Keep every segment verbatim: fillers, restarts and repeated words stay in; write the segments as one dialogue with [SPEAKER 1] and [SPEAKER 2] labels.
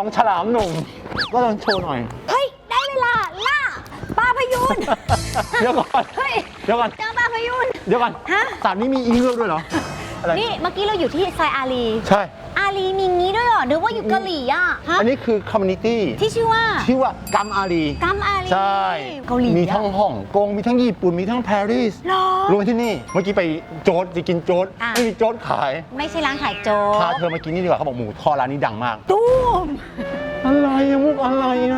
[SPEAKER 1] ของฉลามหนุ่มก็ต้องโชว์หน่อย
[SPEAKER 2] เฮ้ยได้เวลาล่าปลาพยูน
[SPEAKER 1] เดี๋ยวก่อน
[SPEAKER 2] เฮ้ย
[SPEAKER 1] เดี๋ยวก่อน
[SPEAKER 2] เจอปลาพยูน
[SPEAKER 1] เดี๋ยวก่อน
[SPEAKER 2] ฮะ
[SPEAKER 1] สัตว์นี้มีอีเงือกด้วยเหรออะไร
[SPEAKER 2] นี่เมื่อกี้เราอยู่ที่ไซอารี
[SPEAKER 1] ใช่
[SPEAKER 2] อารีมีงี้ด้วยเหรอนึกว่าอยู่เกาหลีอ่ะฮะ
[SPEAKER 1] อันนี้คือคอมมูนิตี้
[SPEAKER 2] ที่ชื่อว่า
[SPEAKER 1] ชื่อว่ากัมอารี
[SPEAKER 2] กัมอารี
[SPEAKER 1] ใช่
[SPEAKER 2] เกาหลี
[SPEAKER 1] มีทั้งฮ่องกงมีทั้งญี่ปุ่นมีทั้งปารีส
[SPEAKER 2] หรอ
[SPEAKER 1] รวมที่นี่เมื่อกี้ไปโจ๊ดจะกินโจ๊ด
[SPEAKER 2] อ่ะ
[SPEAKER 1] ไม่มีโจ๊ดขาย
[SPEAKER 2] ไม่ใช่ร้านขายโจ๊
[SPEAKER 1] พาก เธอมากินนี่ดีกว่าเขาบอกหมูทอดร้านนี้ดังมาก
[SPEAKER 2] ตุ้ม
[SPEAKER 1] อะไรอะมุกอะไรอะ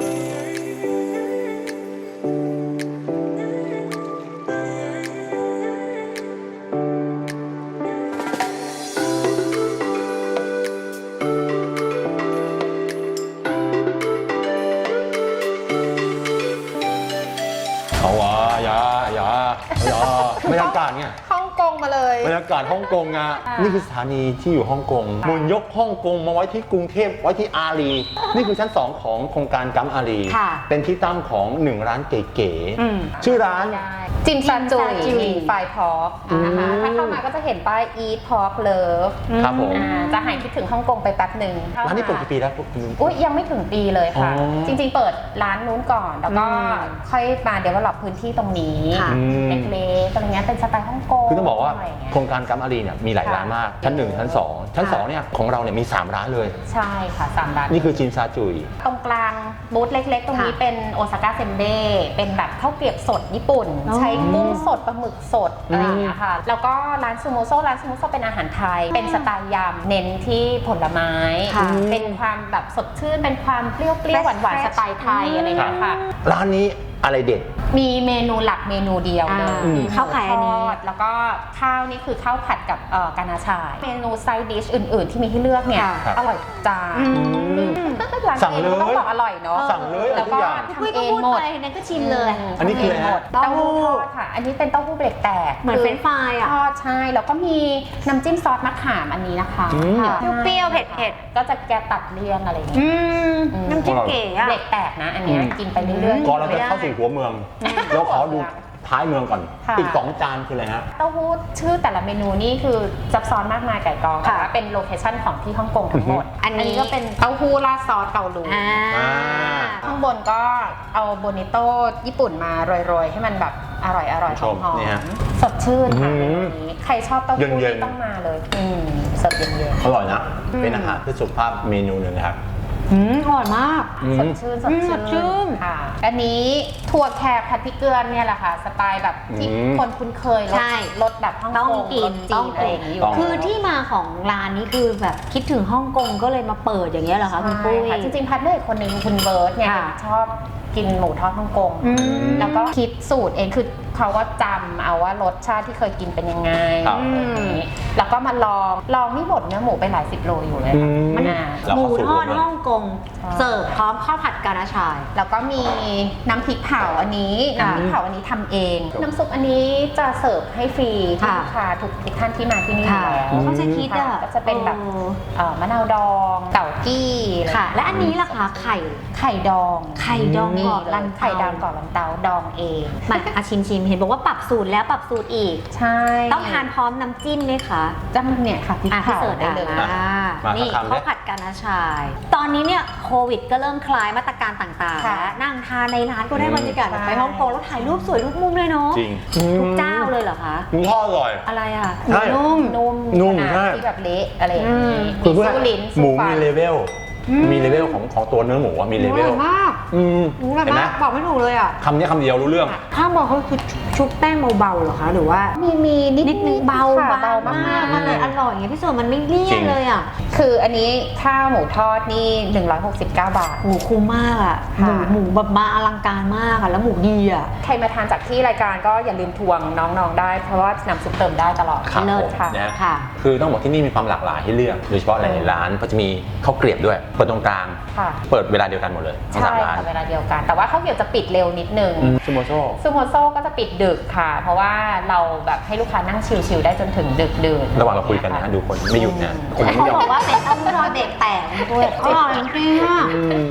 [SPEAKER 1] เอาวะอย่าอย่าอย่าบรรยากาศเนี่ย
[SPEAKER 3] ฮ่องกงมาเลย
[SPEAKER 1] บรรยากาศฮ่องกงอะนี่คือสถานีที่อยู่ฮ่องกงเหมือนยกฮ่องกงมาไว้ที่กรุงเทพไว้ที่อารี นี่คือชั้นสองของโครงการกัมอารี
[SPEAKER 2] ค่ะ
[SPEAKER 1] เป็นที่ตั้งของหนึ่งร้านเก๋
[SPEAKER 2] อืม
[SPEAKER 1] ๆชื่อร้าน
[SPEAKER 3] จิมซาจุย
[SPEAKER 2] จิมซาจุย
[SPEAKER 3] มีไฟพอกนะคะ
[SPEAKER 1] อืม
[SPEAKER 3] ถ้าเข้ามาก็จะเห็นป้าย Eat Pork Love
[SPEAKER 1] ครับผม
[SPEAKER 3] อ่าจะหายคิดถึงฮ่องกงไปแป๊บหนึ่ง
[SPEAKER 1] ร้านนี้เปิดกี่ปีแล้วคุณ
[SPEAKER 3] อุ้ยยังไม่ถึงปีเลยค่ะ
[SPEAKER 1] อ๋อ
[SPEAKER 3] จริงๆเปิดร้านนู้นก่อน แล้วก็ค่อยมาเดเวลลอปพื้นที่ตรงนี้
[SPEAKER 2] ค่ะ
[SPEAKER 3] เล็กๆอะไรเงี้ยเป็นสไตล์ฮ่องกง
[SPEAKER 1] คือต้องบอกว่า
[SPEAKER 3] ะไรเงี้ย
[SPEAKER 1] โครงการกัมอารีเนี่ยมีหลายร้านมาก ชั้นหนึ่งชั้นสองชั้นสองเนี่ยของเราเนี่ยมีสามร้านเลย
[SPEAKER 3] ใช่ค่ะสามร้าน
[SPEAKER 1] นี่คือจิมซาจุย
[SPEAKER 3] ตรงกลางบูธเล็กๆ ตรงนี้
[SPEAKER 2] ค่ะ
[SPEAKER 3] เป็นโอซาก้าเซนเดเป็นแบบข้าวเกรียบสดญี่ปุ่น
[SPEAKER 2] อ๋อ
[SPEAKER 3] ใช้กุ้งสดปลาหมึกสด
[SPEAKER 1] อืม
[SPEAKER 3] อะไรอย่างเงี้ยค่ะ แล้วก็ร้านซูโมโซร้านซูโมโซเป็นอาหารไทย เป็นสไตล์ยำเน้นที่ผลไม้
[SPEAKER 2] ค่ะ
[SPEAKER 3] เป็นความแบบสดชื่น เป็นความเปรี้ยวๆหวานๆสไตล์ไทยอะไรอย่างเงี้ยค่ะ
[SPEAKER 1] ร้านนี้อะไรเด็ด
[SPEAKER 3] มีเมนูหลักเมนูเดียวเลย
[SPEAKER 2] อ่า
[SPEAKER 3] คือ
[SPEAKER 2] ข้าวขายอันนี้
[SPEAKER 3] หมูทดแล้วก็ข้าวนี่คือข้าวผัดกับเอ่อกานาชาย เมนูไซด์ดิชอื่น ๆ ที่มีให้เลือกเนี่ย
[SPEAKER 1] ครับ
[SPEAKER 3] อร่อยทุกจาน
[SPEAKER 2] อืม
[SPEAKER 3] ร้าน
[SPEAKER 1] สั่งเลย
[SPEAKER 3] ต้องบอกอร่อยเนาะ
[SPEAKER 1] สั่งเลย
[SPEAKER 3] แล้วก็
[SPEAKER 1] ทุกอย่าง
[SPEAKER 2] คุย
[SPEAKER 3] ทำเอ
[SPEAKER 2] ก็
[SPEAKER 3] ง
[SPEAKER 2] พูด
[SPEAKER 3] หมด
[SPEAKER 2] ไปนั่นก็ชิมเลย
[SPEAKER 1] อันนี้คืออะไรฮะ
[SPEAKER 3] เต้าหู้ทอดค่ะ อันนี้เป็นเต้าหู้เบรกแตก
[SPEAKER 2] เหมือนเฟรนช์ฟรายอ่ะ
[SPEAKER 3] ทอดใช่ แล้วก็มีน้ำจิ้มซอสมะขามอันนี้นะคะ
[SPEAKER 1] อืม
[SPEAKER 3] ค่ะ
[SPEAKER 2] เปรี้ยวๆเผ็ด
[SPEAKER 3] ก็จะแกตัดเลี่ยนอะไรอย่างเงี้ย
[SPEAKER 2] อืม
[SPEAKER 3] อืม
[SPEAKER 2] น้ำจิ้มเก๋อะ
[SPEAKER 3] เบรกแตกนะ อันเนี้ยกินไปเรื่อยๆ
[SPEAKER 1] ก่อนเราจะเข้าสู่หัวเมืองเราขอดูท้ายเมืองก่อน
[SPEAKER 3] ค่ะ
[SPEAKER 1] อีกสองจานคืออะไรฮะ
[SPEAKER 3] เต้าหู้ชื่อแต่ละเมนูนี่คือซับซ้อนมากมายไก่กองแต่
[SPEAKER 2] ค่ะ
[SPEAKER 3] ว่าเป็นโลเคชั่นของที่ฮ่องกงทั้งหมด
[SPEAKER 2] อันนี้
[SPEAKER 3] ก็เป็นเต้าหู้ราดซอสเกาหลี
[SPEAKER 2] อ่า
[SPEAKER 1] อ่า
[SPEAKER 3] ข้างบนก็เอาโบนิโต้ญี่ปุ่นมาโรยๆ ให้มันแบบอร่อยอร่อย
[SPEAKER 1] ช
[SPEAKER 3] หอ
[SPEAKER 1] ม
[SPEAKER 3] ม
[SPEAKER 1] นี่ฮะ
[SPEAKER 3] ๆสดชื่นค่ะ
[SPEAKER 1] อื้อหือ
[SPEAKER 3] เมนูนี้ใครชอบเต้าหู้
[SPEAKER 1] เย็นๆ
[SPEAKER 3] นี่ต้องมาเลยอืมเสิร์ฟเย็น
[SPEAKER 1] อร่อยนะ เป็นอาหารเพื่อสุขภาพเมนูหนึ่งนะครับ
[SPEAKER 2] อืมอร่อยมาก
[SPEAKER 1] อื
[SPEAKER 3] ๆ
[SPEAKER 1] ม
[SPEAKER 3] สดชื่นสด
[SPEAKER 2] อืมส
[SPEAKER 3] ชื่
[SPEAKER 2] ดชื่น
[SPEAKER 3] ค่ะ อันนี้ถั่วแขกผัดพริกเกลือเนี่ยแหละค่ะสไตล์แบบที่
[SPEAKER 1] อืม
[SPEAKER 3] คนคุ้นเคยรส
[SPEAKER 2] ใช่
[SPEAKER 3] รสแบบฮ่อง
[SPEAKER 2] ต้อง
[SPEAKER 3] กง
[SPEAKER 2] กิ
[SPEAKER 3] ร
[SPEAKER 2] น
[SPEAKER 3] สจีนอะไรอย่างนี้อยู่
[SPEAKER 1] ต้อง
[SPEAKER 2] คือที่มาของร้านนี้คือแบบคิดถึงฮ่องกงก็เลยมาเปิดอย่างเงี้ยเหรอคะคุณปุ้ย
[SPEAKER 3] ใช่ค่ะจริงๆพัดเนอร์อีกคนนึงคุณเบิร์ตเนี่ย
[SPEAKER 2] ค่ะ
[SPEAKER 3] ชอบกินหมูทอดฮ่องกง
[SPEAKER 2] อืม
[SPEAKER 3] แล้วก็คิดสูตรเองคือเขาก็จำเอาว่ารสชาติที่เคยกินเป็นยังไง
[SPEAKER 1] ครับ
[SPEAKER 3] อะไรอย่างนี้แล้วก็มาลองลองนี่บดเนื้อหมูไปหลายสิบโลอยู่เลย
[SPEAKER 1] อื
[SPEAKER 3] ค่ะ
[SPEAKER 1] ม
[SPEAKER 3] มันอ่ะ
[SPEAKER 1] เรา
[SPEAKER 2] หมู
[SPEAKER 1] เข้าสู่
[SPEAKER 2] ทอด
[SPEAKER 1] หัวเมือง
[SPEAKER 2] ฮ่องกง
[SPEAKER 3] ใช่
[SPEAKER 2] เสิร์ฟพร้อมข้าวผัดกานาชาย
[SPEAKER 3] แล้วก็มีน้ำพริกเผาอันนี้
[SPEAKER 2] ค่ะ
[SPEAKER 3] น้ำพริกเผาอันนี้ทำเอง
[SPEAKER 1] ครับ
[SPEAKER 3] น้ำซุปอันนี้จะเสิร์ฟให้ฟรีที่
[SPEAKER 2] ค่ะ
[SPEAKER 3] ลูกค้าทุกทุกท่านที่มาที่นี่อ
[SPEAKER 2] ค่ะ
[SPEAKER 3] ยู่แล้ว
[SPEAKER 2] เขาจะคิดอ่ะ
[SPEAKER 3] ก็จะเป็นแบบ
[SPEAKER 2] ออ
[SPEAKER 3] เอ่อมะนาวดองเต่ากี้อไร
[SPEAKER 2] ค่ะ และอันนี้ล่ะคะไข่
[SPEAKER 3] ไข่ดอง
[SPEAKER 2] ไข่ดองก่อนลันเตา
[SPEAKER 3] ไข่ดองก่อนลันเตาดองเอง
[SPEAKER 2] มาอาชิมชิมเห็นบอกว่าปรับสูตรแล้วปรับสูตรอีก
[SPEAKER 3] ใช่
[SPEAKER 2] ต้องทานพร้อมน้ำจิ้มไหมคะ
[SPEAKER 3] จะมันเนี่ยค่ะพริก
[SPEAKER 2] อ่ะพี่
[SPEAKER 3] เผา
[SPEAKER 2] เสิร์ช
[SPEAKER 3] ได้
[SPEAKER 2] ได้
[SPEAKER 3] เล
[SPEAKER 2] เลย ย
[SPEAKER 1] อ่ะมา
[SPEAKER 2] นี่
[SPEAKER 1] สักคำดิ
[SPEAKER 2] ข้าวผัดกานาชาย ตอนนี้เนี่ยโควิดก็เริ่มคลายมาตรการต่างๆ
[SPEAKER 3] ค่ะ
[SPEAKER 2] แล้วนั่งทานในร้านก็ได้บรรยากาศแบบ
[SPEAKER 3] ใช่
[SPEAKER 2] ไปฮ่องกงแล้วถ่ายรูปสวยทุกมุมเลยเนาะ
[SPEAKER 1] จริง
[SPEAKER 2] ทุกเจ้าเลยเหรอคะ
[SPEAKER 1] หมูทอดอร่อย
[SPEAKER 2] อะไรอ่ะ
[SPEAKER 1] ใช่
[SPEAKER 2] นุ่ม
[SPEAKER 3] นุ่ม
[SPEAKER 1] นุ่ม
[SPEAKER 3] ขนาด
[SPEAKER 1] ใช่
[SPEAKER 3] ที่แบบเละอะไรอย่าง
[SPEAKER 2] อื
[SPEAKER 3] นี้
[SPEAKER 2] ม
[SPEAKER 1] คือเพื่อ
[SPEAKER 3] สู้ลิ้น
[SPEAKER 1] หมู
[SPEAKER 3] สู้ฟั
[SPEAKER 1] มี
[SPEAKER 3] น
[SPEAKER 1] เลเวล มีเลเวลของของตัวเนื้อหมูอะมีเลเวล
[SPEAKER 2] มาก
[SPEAKER 1] อืม
[SPEAKER 2] หมูอร่อย
[SPEAKER 1] เห็นไหม
[SPEAKER 2] มากบอกไม่ถูกเลยอ่ะ
[SPEAKER 1] คำนี้คำเดียวรู้เรื่อง
[SPEAKER 2] ข้าวบอกเขาคือชุบแป้งเบาๆเหรอคะหรือว่า
[SPEAKER 3] มีมีนิด
[SPEAKER 2] นิดนึงเบา
[SPEAKER 3] ค่ะ
[SPEAKER 2] เบาม
[SPEAKER 3] าก
[SPEAKER 2] าก
[SPEAKER 3] ๆ
[SPEAKER 2] มันเลยอร่อยไงพี่ส่วนมันไม่เลี่ย
[SPEAKER 1] จริ
[SPEAKER 2] น
[SPEAKER 1] ง
[SPEAKER 2] เลยอ่ะ
[SPEAKER 3] คืออันนี้ข้าวหมูทอดนี่หนึ่งร้อยหกสิบเก้าบาท
[SPEAKER 2] หมูคุ้มมากอ่ะหมู
[SPEAKER 3] ค่ะ
[SPEAKER 2] หมูแบบมาอลังการมากอ่ะแล้วหมูดีอ่ะ
[SPEAKER 3] ใครมาทานจากที่รายการก็อย่าลืมทวงน้องๆได้ เพราะว่าน้ำซุปเติมได้ตลอด
[SPEAKER 1] ครับ
[SPEAKER 2] เลิ
[SPEAKER 1] ผ
[SPEAKER 2] ศ
[SPEAKER 1] ม
[SPEAKER 3] ค่ะ
[SPEAKER 1] นะ
[SPEAKER 2] ค่ะ
[SPEAKER 1] คือต้องบอกที่นี่มีความหลากหลายให้เลือก โดยเฉพาะหลายๆร้านก็จะมีข้าวเกรียบด้วย เปิดตรงกลาง
[SPEAKER 3] ค่ะ
[SPEAKER 1] เปิดเวลาเดียวกันหมดเลยทั้ง
[SPEAKER 3] ใช่
[SPEAKER 1] สามร้าน
[SPEAKER 3] ค่ะเวลาเดียวกัน แต่ว่าข้าวเกรี๊ยวจะปิดเร็วนิดนึง
[SPEAKER 1] อืมซูโมโซ
[SPEAKER 3] ซูโมโซก็จะปิดดึกค่ะ เพราะว่าเราแบบให้ลูกค้านั่งชิลๆได้จนถึงดึกดื่น
[SPEAKER 1] ระหว่างเราคุยกันนะดูคนไม่หยุดนะ คนยัง
[SPEAKER 2] เขา
[SPEAKER 1] ไม่ยอม
[SPEAKER 2] บอกว่าเป็นเต้าหู้ทอดเด็กแตกด้วยอร่อยจริงๆอ่ะ
[SPEAKER 1] อืม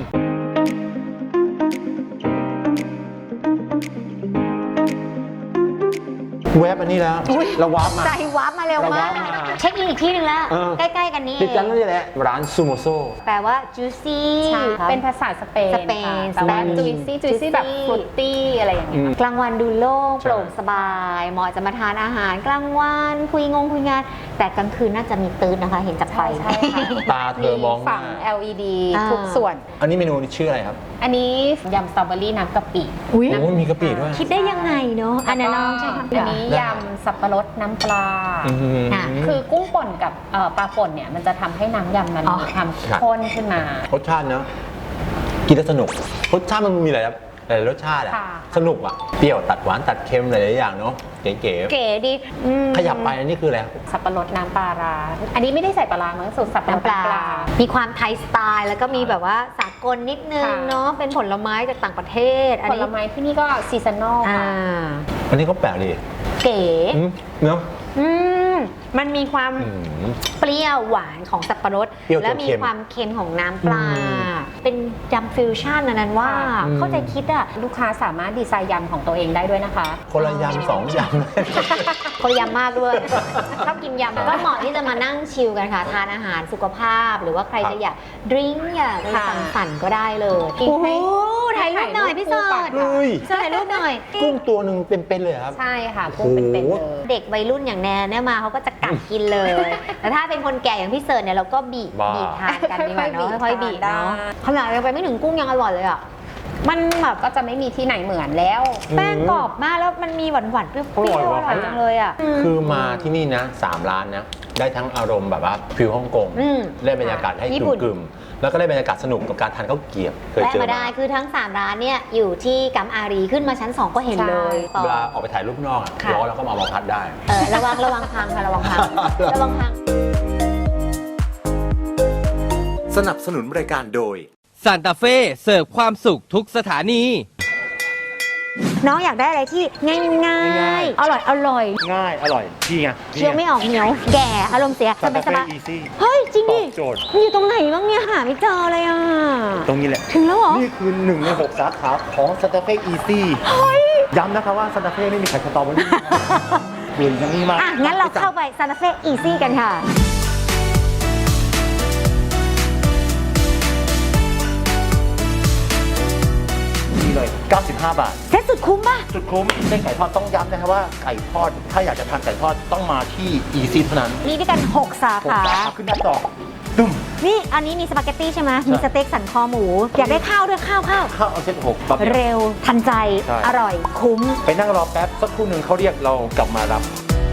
[SPEAKER 1] แวบอันนี้แล้วเราวาร์ปมา
[SPEAKER 2] ใจวับมาเร็วมาก
[SPEAKER 1] เราวับมา
[SPEAKER 2] เช็คอินอีกที่หนึ่งแล้ว
[SPEAKER 1] เออ
[SPEAKER 2] ใกล้ๆกันนี่
[SPEAKER 1] ติดกันนี่แหละร้านซูโมโซ
[SPEAKER 2] แปลว่า juicy
[SPEAKER 3] ใช่เป็นภาษาสเปน
[SPEAKER 2] สเปน
[SPEAKER 3] ค่ะแต่ว่า
[SPEAKER 2] สเปน
[SPEAKER 3] juicy juicy แบบ ฟรุตตี้อะไรอย่างเงี้ย
[SPEAKER 2] กลางวันดูโล่ง
[SPEAKER 1] ใช่
[SPEAKER 2] โปร่งสบาย เหมาะจะมาทานอาหารกลางวันคุยงงคุยงาน แต่กลางคืนน่าจะมีตื่นนะคะ เห็นจากไฟ
[SPEAKER 3] ใช่ใช่ค่ะ
[SPEAKER 1] ตาเธอมองหน้า
[SPEAKER 3] ฝั่ง แอล อี ดี
[SPEAKER 2] อ่า
[SPEAKER 3] ทุกส่วน
[SPEAKER 1] อันนี้เมนูชื่ออะไรครับ
[SPEAKER 3] อันนี้ยำสตรอเบอรี่น้ำกะปิ
[SPEAKER 2] อุ๊ย
[SPEAKER 1] โอ้มีกะปิด้วย
[SPEAKER 2] คิดได้ยังไงเนาะอันนั้นน้องใช่ไหม
[SPEAKER 3] อันนี้ยำสับปะรดน้ำปลา
[SPEAKER 1] อืม
[SPEAKER 2] อ่ะ
[SPEAKER 3] คือกุ้งป่นกับเอ่อปลาป่นเนี่ยมันจะทำให้น้ำยำมัน
[SPEAKER 2] อ๋อ
[SPEAKER 3] มีความข้นขึ้นมา
[SPEAKER 1] รสชาติเนาะกินแล้วสนุกรสชาติมันมีหลายหลายรสชาติอะ
[SPEAKER 3] ค่ะ
[SPEAKER 1] สนุกอะเปรี้ยวตัดหวานตัดเค็มหลายๆอย่างเนาะเก๋
[SPEAKER 2] เก๋ดีอืม
[SPEAKER 1] ๆขยับไปอันนี้คืออะไรครับ
[SPEAKER 3] สับปะรดน้ำปลาร้าอันนี้ไม่ได้ใส่ปลาร้ามั้งสูตรสับปะรด
[SPEAKER 2] น้ำปลา
[SPEAKER 3] น้ำปลา
[SPEAKER 2] มีความไทยสไตล์ แล้วก็มีแบบว่าสากลนิดนึง
[SPEAKER 3] ค่ะ
[SPEAKER 2] เนาะ เป็นผลไม้จากต่างประเทศ อัน
[SPEAKER 3] ผ
[SPEAKER 2] นี้
[SPEAKER 3] ลไม้ที่นี่ก็ซีซันนอล
[SPEAKER 2] อ่า
[SPEAKER 3] ค่ะ
[SPEAKER 1] อันนี้ก็แปลกดี
[SPEAKER 2] เก๋
[SPEAKER 1] อืมเนาะ
[SPEAKER 2] อืมมันมีความ
[SPEAKER 1] อืม
[SPEAKER 2] เปรี้ยวหวานของสับปะรด
[SPEAKER 1] เปรี้ยวจน
[SPEAKER 2] และมี
[SPEAKER 1] เค็ม
[SPEAKER 2] ความเค็มของน้ำปลา
[SPEAKER 1] อืม
[SPEAKER 2] เป็นยำฟิวชั่นอันนั้นว่า
[SPEAKER 1] อืม
[SPEAKER 2] เข้าใจคิดอ่ะ
[SPEAKER 3] ลูกค้าสามารถดีไซน์ยำของตัวเองได้ด้วยนะคะ
[SPEAKER 1] คนละยำสองยำ
[SPEAKER 2] คนละยำมากด้วย ชอบกินยำก็เหมาะที่จะมานั่งชิลกันค่ะ ทานอาหารสุขภาพ หรือว่าใคร
[SPEAKER 1] ครับ
[SPEAKER 2] จะอยากดริงก์อยากไป
[SPEAKER 3] ค่ะ
[SPEAKER 2] สังสรรค์ก็ได้เลย
[SPEAKER 3] กิน
[SPEAKER 2] โอ้โห
[SPEAKER 3] ให้
[SPEAKER 2] ถ่ายรูปหน่อยพี่เสิร์ช
[SPEAKER 1] เฮ้ย
[SPEAKER 2] ถ่ายรูปหน่อย
[SPEAKER 1] กุ้งตัวหนึ่งเป็นๆเลยเหรอครับ
[SPEAKER 3] ใช่ค่ะกุ้งเป็นๆเลย
[SPEAKER 2] เด็กวัยรุ่นอย่างแนนเนี่ยมาเขาก็จะกัดกินเลย แต่ถ้าเป็นคนแก่อย่างพี่เสิร์ชเนี่ยเราก็บีบ
[SPEAKER 1] บ้า
[SPEAKER 2] บีบทานกันดีกว่าเนาะ
[SPEAKER 3] ค่
[SPEAKER 2] ค่
[SPEAKER 3] อ
[SPEAKER 2] อย ย
[SPEAKER 3] ๆ
[SPEAKER 2] ๆ
[SPEAKER 3] บี
[SPEAKER 2] บี
[SPEAKER 3] บบ
[SPEAKER 2] เนาะ
[SPEAKER 3] ได้
[SPEAKER 2] ขนาดยังไปไม่ถึงกุ้งยังอร่อยเลยอ่ะมันแบบ
[SPEAKER 3] ก็จะไม่มีที่ไหนเหมือนแล้ว
[SPEAKER 2] แป้งกรอบมากแล้วมันมีหวานหวานๆเปรี้ยวๆ
[SPEAKER 1] อร่อยว่ะ
[SPEAKER 2] อร่อยจังเลยอ่ะ
[SPEAKER 1] คือมาที่นี่นะสามร้านนะได้ทั้งอารมณ์แบบว่าฟิลฮ่องกง
[SPEAKER 2] อืม
[SPEAKER 1] ได้บรรยากาศให้
[SPEAKER 2] ญี่
[SPEAKER 1] ก
[SPEAKER 2] ปุ่น
[SPEAKER 1] ลุ่มๆแล้วก็ได้บรรยากาศสนุกกับการทานข้าวเกรี๊ยวเคย
[SPEAKER 2] ได้
[SPEAKER 1] เจอ
[SPEAKER 2] มาได้คือทั้งสามร้านเนี่ยอยู่ที่กัมอารีขึ้นมาชั้นสองก็เห็นเลยต่อ
[SPEAKER 1] เวลาออกไปถ่ายรูปนอกอะ
[SPEAKER 2] ค่ะ
[SPEAKER 1] ร้อนแล้วก็มาเอามาพัดได้
[SPEAKER 2] เออระวังระวังพังค่ะระวังพังระวังพัง
[SPEAKER 4] สนับสนุนรายการโดย
[SPEAKER 5] ซานตาเฟ่เสิร์ฟความสุขทุกสถานี
[SPEAKER 2] น้องอยากได้อะไรที่ง่ายง่าย
[SPEAKER 1] ง่ายๆ
[SPEAKER 2] อร่อยอร่อย
[SPEAKER 1] ง่ายอร่อยพี่ไง
[SPEAKER 2] เคี้ยวไม่ออกเหนียว แก่อารมณ์เสียสบายสบาย
[SPEAKER 1] อีซี่
[SPEAKER 2] เฮ้ย จริงดิ
[SPEAKER 1] ตอบโจทย์
[SPEAKER 2] มันอยู่ตรงไหนบ้างเนี่ยหาไม่เจอเลยอ่ะ
[SPEAKER 1] ตรงนี้แหละ
[SPEAKER 2] ถึงแล้วเหรอ
[SPEAKER 1] นี่คือหนึ่งในหกสาขาของซานตาเฟ่อีซี่ย้ำนะคะว่าซานตาเฟ่ไม่มีไข่สตรอเบอรี่เปลี่ยนยังนี่มาก
[SPEAKER 2] อ่ะ งั้นเราเข้าไปซานตาเฟ่อีซี่กันค่ะ
[SPEAKER 1] นี่เลยเก้าสิบห้าบาท
[SPEAKER 2] เซ็ตสุดคุ้มป่ะ
[SPEAKER 1] สุดคุ้มเส้นไก่ทอดต้องย้ำนะครับว่าไก่ทอดถ้าอยากจะทานไก่ทอดต้องมาที่อีซี่เท่านั้น
[SPEAKER 2] มีด้วยกันหกสา
[SPEAKER 1] ผม
[SPEAKER 2] ขา
[SPEAKER 1] จะเอาขึ้นหน้าจอตึ้ม
[SPEAKER 2] นี่อันนี้มีสปาเกตตี้ใช่ไหมมีสเต็กสันคอหมู อยากได้ข้าวด้วยข้าวข้าว
[SPEAKER 1] ข้าวเอาเส้นหกแบบเดียว
[SPEAKER 2] เร็วทันใจ
[SPEAKER 1] ใช่
[SPEAKER 2] อร่อยคุ้ม
[SPEAKER 1] ไปนั่งรอแป๊บสักครู่หนึ่งเขาเรียกเรากลับมารับ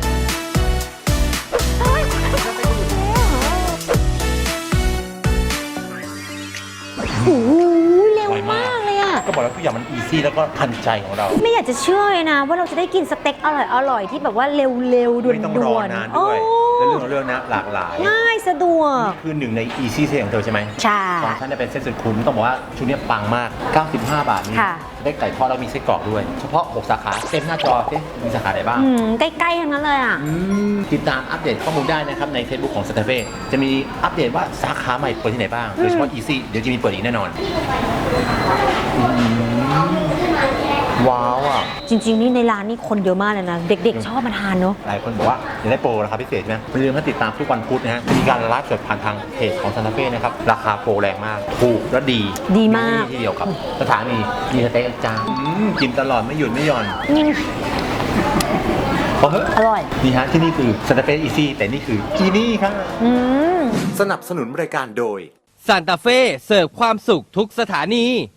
[SPEAKER 2] โอ้โหเร็ว
[SPEAKER 1] ไวมาม
[SPEAKER 2] าก กเลยอ่ะ
[SPEAKER 1] ก็บอกแล้วทุกอย่างมันอีซี่แล้วก็ทันใจของเรา
[SPEAKER 2] ไม่อยากจะเชื่อเลยนะ ว่าเราจะได้กินสเต็กอร่อยอร่อยๆที่แบบว่าเร็วๆด่วนๆ
[SPEAKER 1] ไม่ต้องรอนานด้วย
[SPEAKER 2] โอ้
[SPEAKER 1] และเรื่องของเรื่องนะหลากหลาย
[SPEAKER 2] ง่ายสะดวก
[SPEAKER 1] นี่คือหนึ่งใน Easy Sale ของเธอใช่ไหม
[SPEAKER 2] ใช่
[SPEAKER 1] ของฉันเนี่ยเป็นเส้นสุดคุ้มต้องบอกว่าชุดเนี้ยปังมาก เก้าสิบห้า บาทนี้
[SPEAKER 2] ค่ะ
[SPEAKER 1] ได้ไก่ทอดแล้วมีไส้กรอกด้วย เฉพาะหกสาขาเต็มหน้าจอสิมีสาขาไหนบ้าง
[SPEAKER 2] อืมใกล้ๆทั้งนั้นเลยอ่ะ
[SPEAKER 1] อืมติดตามอัปเดตข้อมูลได้นะครับใน Facebook ของ Santa Fe จะมีอัปเดตว่าสาขาใหม่เปิดที่ไหนบ้าง โดยเฉพาะ Easy เดี๋ยวจะมีเปิดอีกแน่นอนอืมว้าวอ่ะ
[SPEAKER 2] จริงๆ นี่ในร้านนี่คนเยอะมากเลยนะ เด็กๆ ชอบมาทานเนาะ
[SPEAKER 1] หลายคนบอกว่าอยากได้โปรราคาพิเศษใช่ไหมอย่าลืมมาติดตามทุกวันพุธนะฮะ มีการไลฟ์สดผ่านทางเพจของ Santa Fe นะครับ ราคาโปรแรงมาก ถูกและดี
[SPEAKER 2] ดีมาก
[SPEAKER 1] ที่เดียวครับสถานีมีสเต็กจานอืมกินตลอดไม่หยุดไม่หย่อน
[SPEAKER 2] อืม
[SPEAKER 1] เพราะเฮ้ย
[SPEAKER 2] อร่อย
[SPEAKER 1] นี่ฮะที่นี่คือ Santa Fe Easy แต่นี่คืออีนี่ครับ
[SPEAKER 2] อืม
[SPEAKER 4] สนับสนุนรายการโดย
[SPEAKER 5] ซานตาเฟ่เสิร์ฟความสุขทุกสถานี